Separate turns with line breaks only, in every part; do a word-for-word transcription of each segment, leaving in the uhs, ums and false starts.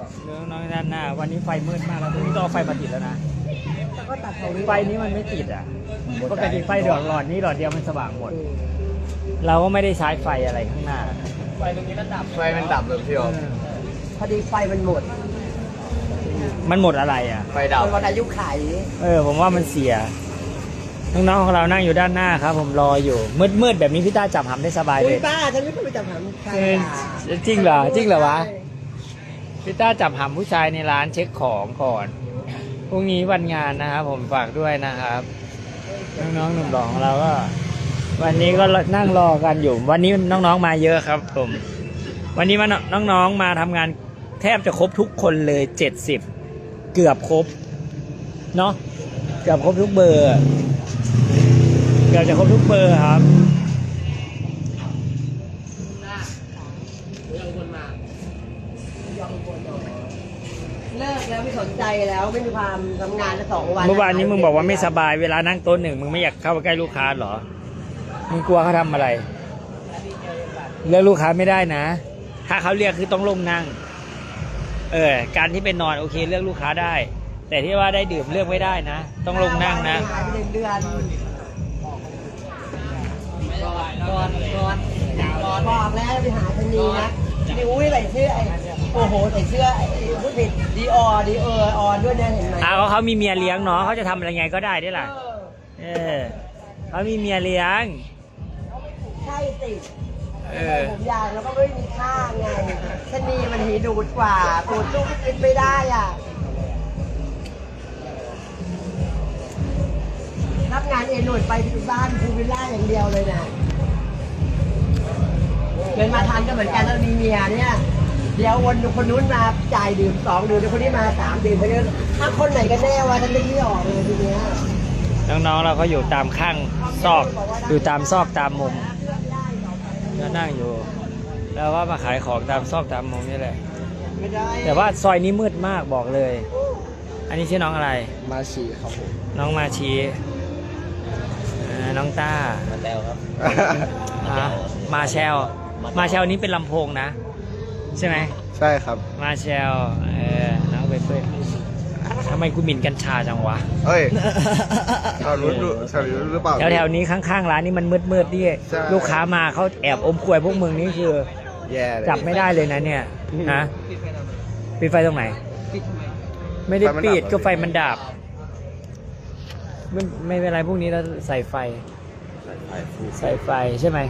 เรื่องน้องด้านหน้าวันนี้ไฟมืดมากแล้วตรงนี้ต้องเอาไฟมาติดแล้วนะไฟนี้มันไม่ติดอ่ะปกติไฟดอกหลอดนี้หลอดเดียวมันสว่างหมดเราก็ไม่ได้ใช้ไฟอะไรข้างหน้าไฟตรงนี้ก็ดับ
ไฟมันดับเลยพี่อ๋อ
พอดีไฟมันหมด
มันหมดอะไรอ่ะ
ไฟดับ
วันอายุไข
เออผมว่ามันเสียน้องๆของเรานั่งอยู่ด้านหน้าครับผมรออยู่มืดๆแบบนี้พี่ต้าจับหำได้สบายเลย
ป้าฉันไม่เคยไปจับหำใคร
จริงเหรอจริงเหรอวะพี่ต้าจับหำผู้ชายในร้านเช็คของก่อนพรุ่งนี้วันงานนะครับผมฝากด้วยนะครับน้องๆหนุ่มหล่อของเราก็วันนี้ก็นั่งรอกันอยู่วันนี้น้องๆมาเยอะครับผมวันนี้มาน้องๆมาทำงานแทบจะครบทุกคนเลยเจ็ดสิบเกือบครบเนาะเกือบครบทุกเบอร์เกือบจะครบทุกเบอร์ครับ
เลิกแล้วไม่สนใจแล้วไม่มีความทำงานสองวัน
เมื่อวานนี้มึงบอกว่าไม่สบายเวลานั่งโต๊ะหนึ่งมึงไม่อยากเข้าไปใกล้ลูกค้าหรอมึงกลัวเขาทำอะไรเรียกลูกค้าไม่ได้นะถ้าเขาเรียกคือต้องลงนั่งเออการที่เป็นนอนโอเคเลือกลูกค้าได้แต่ที่ว่าได้ดื่มเลือกไม่ได้นะต้องลงนั่งนะ
เดือนก่อนก่อนก่อนก่อนบอกแล้วไปหาชนีนะดิอุ้ยใส่เสื้อไอ้โอ้โหใส่เสื้อไอ้ผู้ผิดดีออดีเออออนด้วยเนี่ยเห็นไหม
อ้าวเขามีเมียเลี้ยงเนาะเขาจะทำอะไรไงก็ได้ได้ล่ะเออเขามีเมียเลี้ยง
ใช่สิผมยาวแล้วก็ไม่มีค่าไงชนีมันหีดูดกว่าปูดลูกกินไม่ได้อ่ะรับงานเอหน่วยไปที่บ้านภูวิลล่าอย่างเดียวเลยนะเดินมาทันก็เหมือนกันแล้วมีเมียเนี่ยเดี๋ยววันคนนู้นมาจ่ายดื่มสองดื่มเดี๋ยวคนนี้มาสามดื่มไปเรื่อยถ้าคนไหนกันแน่วะฉันนึกไม่ออกเลยทีเนี้ย
น้องๆเราก็อยู่ตามข้างซอกอยู่ตามซอกตามมุมก็นั่งอยู่แล้วว่ามาขายของตามซอกตามมุมนี่แหละแต่ว่าซอยนี้มืดมากบอกเลยอันนี้ชื่อน้องอะไร
มาชีครับผม
น้องมาชีน้องต้า
มาแล้วครับ
มาแชลมาแชลนี้เป็นลำโพงนะใช่ไหม
ใช่ครับ
มาแชลเออน้องเบเป้ทำไมกูหมิ่นกัญชาจังวะ
เฮ้ยเอารู้รู้ใช่รู้หรือเปล่า
แถวแถวนี้ข้างๆร้านนี้มันมืดมืดดิลูกค้ามาเขาแอบอมควยพวกมึงนี่คือ
แย่
จับไม่ได้เลยนะเนี่ยฮะปิดไฟตรงไหนไม่ได้ปิดก็ไฟมันดับไม่ไม่เป็นไรพวกนี้เราใส่ไฟใส่ไฟใช่ไหม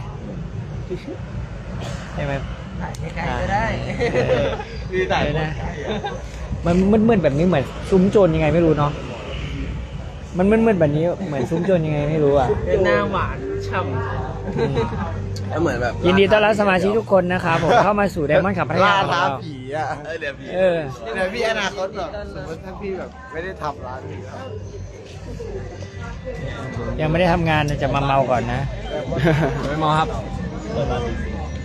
ใช่ไหม
ได้
ดีใจ
นะมันมืดๆแบบนี้เหมือนซุ้มโจรยังไงไม่รู้เนาะมันมืดๆแบบนี้เหมือนซุ้มโจรยังไงไม่รู้อ่ะ
เป็นหน้าหวานฉ่
ำแล้วเหมือนแบบ
ยินดีต้อนรับสมาชิกทุกคนนะครับผมเข้ามาสู่ไดมอนด์ขับพัทยาของเรา
ผีอ่ะเออเดี๋ยวผี
เออ
เดี๋ยวพี่อนาคตแบบสมมติถ้าพี่แบบไม่ได้ทำร้านนี้
ยังไม่ได้ทำงานจะมาเมาก่อนนะ
ไม่เมาครับ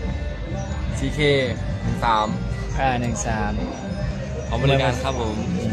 ซีเคหนึ่งสาม
อ่าหนึ่งสาม
ของบริการครับผม